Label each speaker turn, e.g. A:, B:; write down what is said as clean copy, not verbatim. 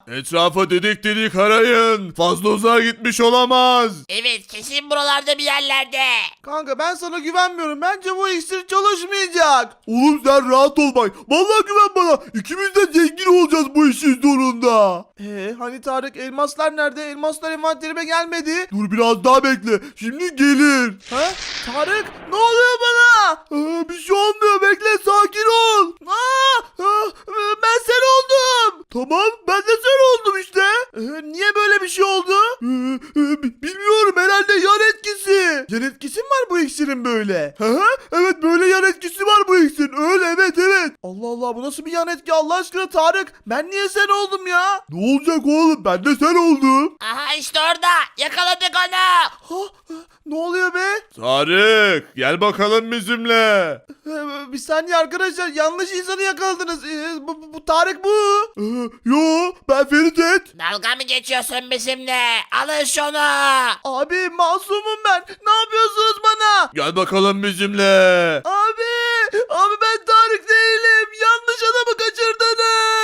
A: Etrafa dedik dedik arayın. Fazla uzağa gitmiş olamaz.
B: Evet, kesin buralarda bir yerlerde.
C: Kanka ben sana güvenmiyorum. Bence bu iksir çalışmayacak. Oğlum sen rahat ol bak. Vallahi güven bana. İkimiz de zengin olacağız bu işin sonunda. Hani Tarık, elmaslar nerede? Elmaslar envanterime gelmedi. Dur biraz daha bekle. Şimdi gelir. Ha? Tarık, ne oluyor bana? Bir şey olmuyor. Bekle, sakin ol. Ben sen oldum. Tamam, ben de sen oldum işte. Niye böyle bir şey oldu? Bilmiyorum, herhalde yan etkisi. Yan etkisi mi var bu iksirin böyle? Evet, böyle yan etkisi var bu iksirin. Öyle, evet. Allah Allah, bu nasıl bir yan etki Allah aşkına Tarık? Ben niye sen oldum ya? Ne olacak oğlum, ben de sen oldum.
B: Aha, işte orada. Yakaladık onu.
C: Ne oluyor be?
A: Tarık gel bakalım bizimle.
C: Bir saniye arkadaşlar, yanlış insanı yakaladınız. Bu Tarık bu. Yo, ben Ferit.
B: Dalga mı geçiyorsun bizimle? Alın şunu.
C: Abi masumum ben. Ne yapıyorsunuz bana?
A: Gel bakalım bizimle.